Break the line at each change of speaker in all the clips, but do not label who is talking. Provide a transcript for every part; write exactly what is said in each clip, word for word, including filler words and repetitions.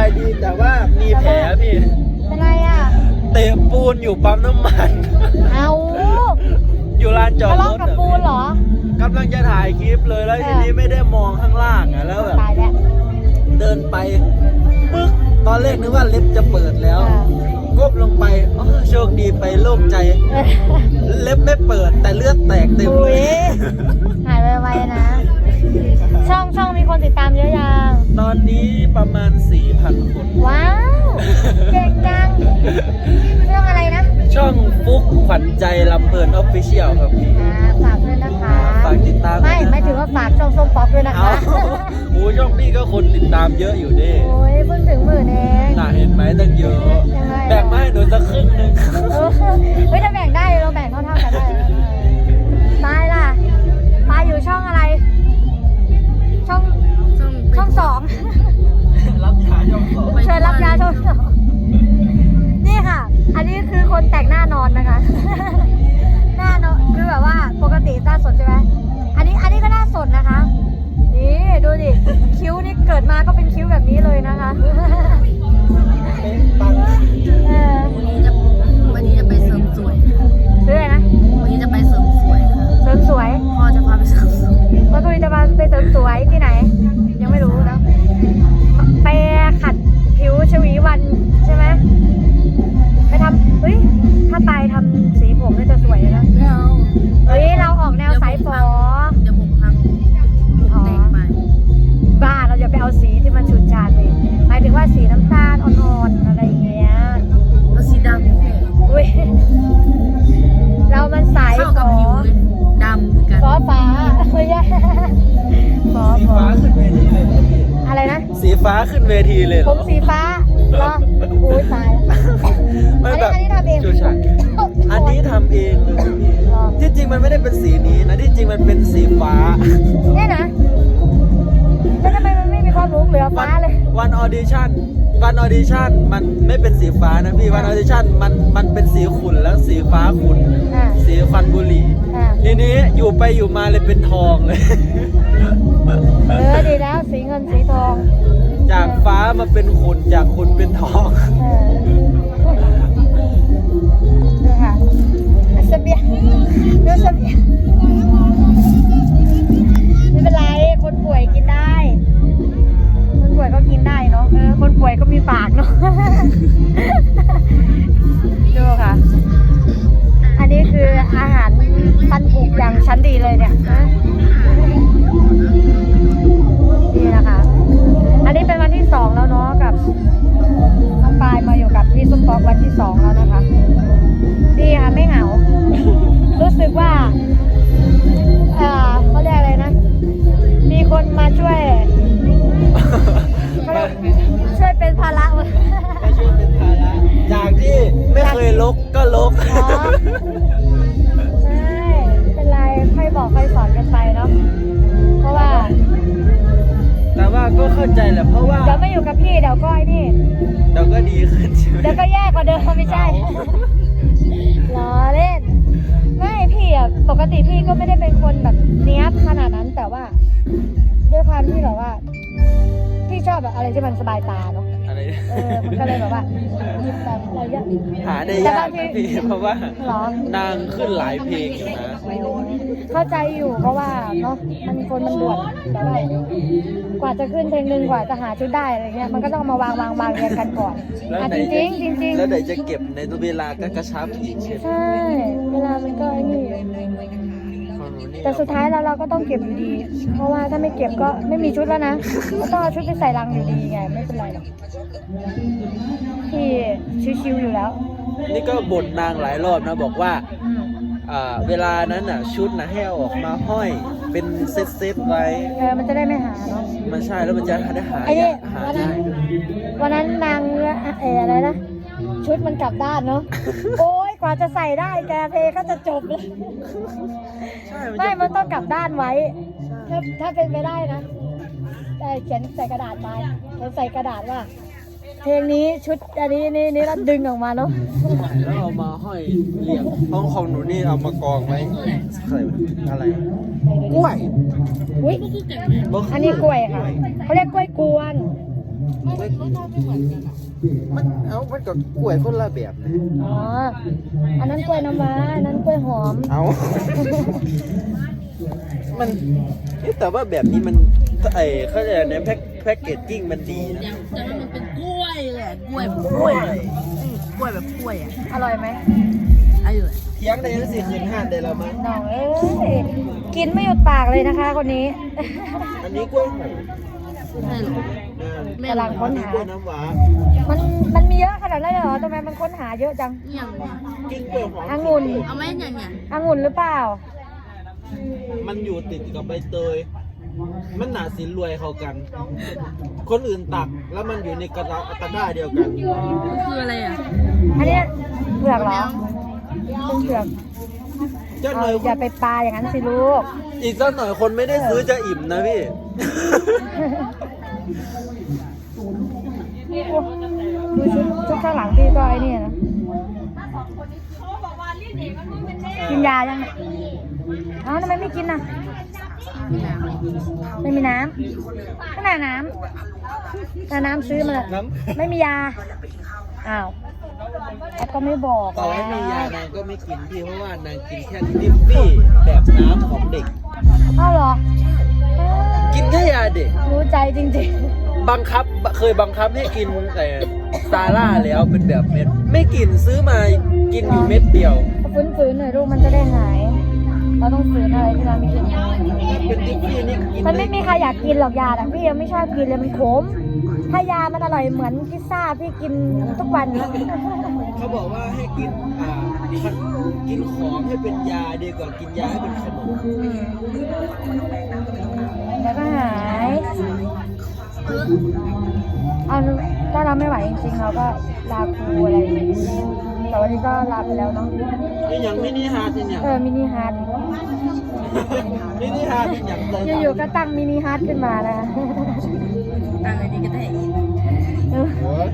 ายดีแต่ว่ามีแผลพี่
เป็นไรอ่ะ
เตะปูนอยู่ปั๊มน้ำมัน
เอา
อยู่ลานจอดรถ
กับปูนเหรอก
ำลังจะถ่ายคลิปเลยแล้วทีนี้ไม่ได้มองข้างล่างอ่ะแล้วแบบเดินไปปึ๊กตอนแรกนึกว่าเล็บจะเปิดแล้วก้มลงไปอ๋อโชคดีไปโล่งใจเล็บไม่เปิดแต่เลือดแตกเต็มเลย
หายไวๆนะช่องช่องมีคนติดตามเยอะยัง
ตอนนี้ประมาณ สี่พัน คน
ว้าวเก่งจังเรื่องอะไรนะ
ช่องฟุกขวัญใจลำเพลินออฟฟิเชียลครับพี่
ฝากด้วยนะคะ
ฝากติดตาม
ไม่ไม่ถือว่าฝากช่องส้มป๊อปด้วยนะคะ
โอ้ช่องพี่ก็คนติดตามเยอะอยู่ดิ
โอ้ยเพิ่งถึงหมื่นเอง
น่าเห็นไหมตั้งเยอะแบ่งมาให้หนูสักครึ่งนึง
เฮ้ยถ้าแบ่งได้เราแบ่งเท่าๆกันได้ตายล่ะตายอยู่ช่องอะไรช่องช่องสอง
รับยาช่องสอง
เชิญรับยาช่องสองนี่ค่ะอันนี้คือคนแต่งหน้านอนนะคะหน้านอนคือแบบว่าปกติหน้าสดใช่ไหมอันนี้อันนี้ก็หน้าสดนะคะนี่ดูดิคิ้วนี่เกิดมาก็เป็นคิ้วแบบนี้เลยนะคะเออ
วันนี้จะวันนี้จะไปเสริมสวย
ซื้ออะไรนะ
วันนี้จะไปเสริมสวยค่ะ
เสริมสวย
พ่อจะพาไปเสริมสวย
ว่าตุยจะมาไปเสริมสวยที่ไหนยังไม่รู้นะไปขัดผิวชวีวันใช่ไหมไปทำเฮ้ยถ้าไปทำสีผมเนี่ยจะสวยเลยนะเฮ้ยเราออกแนวสายฝอ
เดี๋ยวผมพังผมแตกไป
บ้าเราอย่าไปเอาสีที่มันฉูดฉาดเลยหมายถึงว่าสีน้ำตาลอ่อนๆอะไรอย่างเงี้ย
เอาสีดำเลย
อุ้ยเรามันสาย
ฝอดำกัน
ฝอฟ้าเฮ้ยฝอ
สีฟ้าขึ้นเวทีเลย
อะไรนะ
สีฟ้าขึ้นเวทีเลย
ผมสีฟ้าเหรออุ้ยตายอันนี้อันนี้ทำเอง
อันนี้ทำเองเลยที่จริงมันไม่ได้เป็นสีนี้นะที่จริงมันเป็นสีฟ้า
เนี่ยนะแล้วทำไมมันไม่มีความรุ้งเหลือฟ้าเลย
วันออดิชั่นวันออดิชั่นมันไม่เป็นสีฟ้านะพี่วันออดิชั่นมันมันเป็นสีขุ่นแล้วสีฟ้าขุ่นสีควันบุหรี่ทีนี้อยู่ไปอยู่มาเลยเป็นทองเลย
เออดีแล้วสีเงินสีทอง
จากฟ้ามาเป็นขุ่นจากขุ่นเป็นทอง
ดูค่ะเสบียงดูเสบียงไม่เป็นไรคนป่วยกินได้คนป่วยก็กินได้เนาะเออคนป่วยก็มีปากเนาะดูค่ะอันนี้คืออาหารพันธุ์ผูกอย่างชั้นดีเลยเนี่ยนี่นะคะอันนี้เป็นวันที่สองแล้วเนาะกับน้องปายมาอยู่กับพี่ส้มป๊อกวันที่สองแล้วนะคะดีค่ะไม่เหงารู้สึกว่าเออเขาเรียกอะไรนะมีคนมาช่วยช่วยเป็นภาระมา
ช่วยเป็นภาระจากที่ไม่เคยลกก็ลก
ใช่เป็นไรค่อยบอกค่อยสอนกันไปเนาะเพราะว่า
แต่ว่าก็เข้าใจแหละเพราะว่า
เดี๋ยวไม่อยู่กับพี่เดี๋ยวก็ไอ้นี่
เดี๋ยวก็ดีขึ้นใช่ไหม
เดี๋ยวก็แย่กว่าเดิมไม่ใช่ล้อเล่นไม่พี่อ่ะปกติพี่ก็ไม่ได้เป็นคนแบบเนี้ยขนาดนั้นแต่ว่าด้วยความที่แบบว่าพี่ชอบแบบอะไรที่มันสบายตาเนาะ
อะไร
เออมันก็เลยแบบว่าหยิบแบบอะไรเยอะ
หาได้ยากนะพี่เพราะว่านางขึ้นหลายเพลงอยู่นะ
เข้าใจอยู่เพราะว่าเนาะมันคนมันด่วนแต่ว่ากว่าจะขึ้นเพลงหนึ่งกว่าจะหาชุดได้อะไรเงี้ยมันก็ต้องมาวางวางวางเรียงกันก่อนจริงจริงจริงจริง
แล้วไหนจะเก็บในตัวเวลาก็กระชับอีกใช่ไหม
ใช่เวลามันก็นี่แต่สุดท้ายแล้วเราก็ต้องเก็บอยู่ดีเพราะว่าถ้าไม่เก็บก็ไม่มีชุดแล้วนะก็ต้องเอาชุดไปใส่ลังอยู่ดีไงไม่เป็นไรหรอกพี่ชิวๆอยู่แล้ว
นี่ก็บ่นนางหลายรอบนะบอกว่าเวลานั้นน่ะชุดน่ะให้เอาออกมาห้อยเป็นเซตเซตไว้
เออมันจะได้ไม่หาเนาะ
มันใช่แล้วมันจะได้หา
ไอ้นี่วันนั้นวันนั้นนางเอออะไรนะชุดมันกลับด้านเนาะโอ้ยกว่าจะใส่ได้แกเพลก็จะจบเลยไม่มันต้องกลับด้านไว้ถ้าถ้าเป็นไปได้นะแต่เขียนใส่กระดาษไปเขียนใส่กระดาษว่าเพลงนี้ชุดอันนี้นี่นี่แล้วดึงออกมาเนาะ
แล้วเอามาห้อยเรียงห้องของหนูนี่เอามากองไว้อะไรกล้วย
อุ้ยอันนี้กล้วยค่ะเขาเรียกกล้วยกวน
ไม่รสชาติไม่เหมือนกันอ่ะมันเอามันก็กล้วยคนละแบบนะ
อ๋อ อันนั้นกล้วยน้ำว้าอันนั้นกล้วยหอม
เอา มันเอ๊ะแต่ว่าแบบนี้มันไอ้เขาเรียกในแพ็คแพ็คเกจจิ้งมันดีนะ
อย่างแต่ว่ามันเป็นกล้วยแหละกล้วยแบบกล้วยเลยอืมกล้วยแบบกล้วยอ่ะ
อร่อยไหม
อร่อย
เทียงได้ยังสี่คืนห้าได้แล้วมั้ง
น้องเอ้ย กินไม่หยุดปากเลยนะคะคนนี้
อันนี้กล้วยหอม
ใช่หรอ
นะ
กำลังค้นหา
กล้วยน้ำว้า
มันมันมีเยอะขนาดนั้นเลยเหรอทำไมมันค้นหาเยอะจัง
อย่างเนี่ย
กินกล้วยหอม
องุ่น
เอาไหมอย่างเนี่ย
องุ่นหรือเปล่า
มันอยู่ติดกับใบเตย มันหนาสินรวยเข้ากัน คนอื่นตักแล้วมันอยู่ในกระดาตะกร้าเดียวกัน
มันคืออะไรอ่ะ
อันเนี้ยเผือกเหรอเป็นเผือก
เจ้าห
เอา
น่อย
อย่าไปปลาอย่างนั้นสิลูก
อีกสักหน่อยคนไม่ได้ซื้อจะอิ่มนะพี่
ดูชุดชุดข้างหลังพี่ก็ไอ้นี่นะกินยายังเนี่ยเอ้าทำไมไม่กินน่ะ ไม่มีน้ำก็น่าน้ำน่าน้ำซื้อมาเลย
น้ำ
ไม่มียา อ้าวแล้วก็ไม่บอก
ต่อให้มียานางก็ไม่กินพี่เพราะว่านางกินแค่ดิฟฟี่แบบน้ำของเด็ก
อ้าวเหรอ
กินแค่ยาเด็ก
รู้ใจจริง
บังคับเคยบังคับให้กินแต่ซาร่าแล้วเป็นแบบเม็ด ไม่กินซื้อมากินอยู่เม็ดเดียว
ๆฝืนๆหน่อยลูกมันจะได้หาย เราต้องฝืนอะไรที่เราไม่กิน
เป็นดิฟฟี่นี่กิน
มันไม่มีใครอยากกินหรอกยาแต่พี่ยังไม่ชอบกินเลยมันขม ถ้ายามันอร่อยเหมือนพิซซ่าพี่กินทุกวันนะ
เขาบอกว่าให้กินอ่ากินของให้เป็นยาดีกว่ากินยาให้เป็นขนม
แล้วก็หาย เอาถ้าเราไม่ไหวจริงๆเราก็ลาครูอะไรอย่างงี้แต่วันนี้ก็ลาไปแล้วเนาะ
นี่ยังมินิฮาร์ดเนี่ย
เออมินิฮาร์ด
มินิฮาร์ดอย่างไร
อยู่ๆก็ตั้งมินิฮาร์ดขึ้นมานะ
ต่างอันนี้ก็ได้
เออ
โอ้ย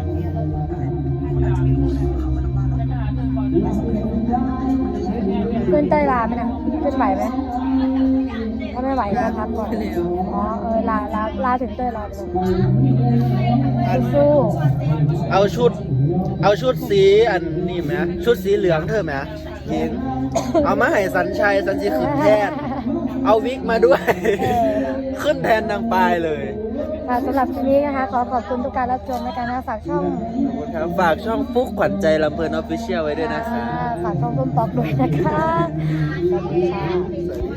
ขึ้นเต้ยลาไหมนะขึ้นไหวไหมถ้าไม่ไหวก็พักก่อน
เร็ว
อ๋อเออลาลาลาถึงเต้ยลาไปเลยสู้
เอาชุด เอาชุดสีอันนี้ไหมชุดสีเหลืองเธอไหมยิงเอามาให้สันชัยสันชีขึ้นแทน เอาวิกมาด้วย ขึ้นแทนนางปลายเลย
ค่ะสำหรับคลิปนี้นะคะ ขอขอบคุณทุกการรับชมในการนะฝากช่อง
ขอบคุณครับฝากช่องฟุกขวัญใจลำเพลินออฟฟิเชียลไว้ด้วยนะคะ
ฝากช่องต้นป๊อกด้วยนะคะ สวัสดีค่ะ